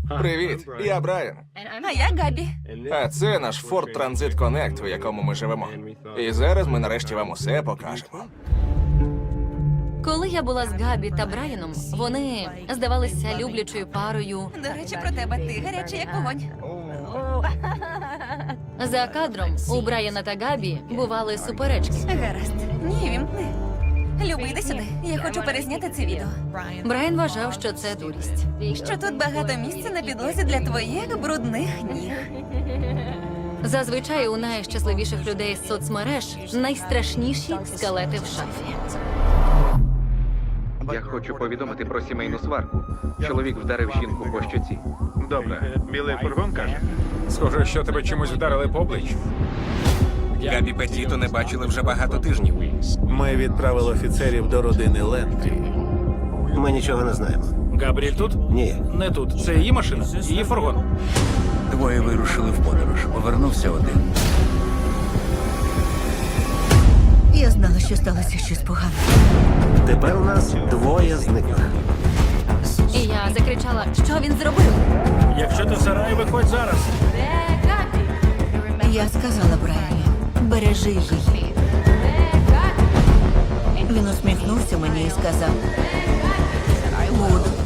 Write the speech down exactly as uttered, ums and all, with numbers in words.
Привіт, я Брайан. А я Габі. А це наш Ford Transit Connect, у якому ми живемо. І зараз ми нарешті вам усе покажемо. Коли я була з Габі та Брайаном, вони здавалися люблячою парою. До речі, про тебе ти гарячий, як вогонь. За кадром у Брайана та Габі бували суперечки. Гаразд. Ні, вімкни. Люби, йди сюди. Я хочу перезняти це відео. Брайан вважав, що це дурість. Що тут багато місця на підлозі для твоїх брудних ніг. Зазвичай у найщасливіших людей з соцмереж найстрашніші скелети в шафі. Я хочу повідомити про сімейну сварку. Чоловік вдарив жінку по щоці. Добре, білий фургон каже. Схоже, що тебе чимось вдарили по обличчю. Габі Петіто не бачили вже багато тижнів. Ми відправили офіцерів до родини Лендрі. Ми нічого не знаємо. Габріель тут? Ні. Не тут. Це її машина, її фургон. Двоє вирушили в подорож. Повернувся один. Я знала, що сталося щось погане. Тепер у нас двоє зниклих. І я закричала, що він зробив. Якщо ти в сараї, виходь зараз. Я сказала Брайані, бережи її. Він усміхнувся мені і сказав, буду.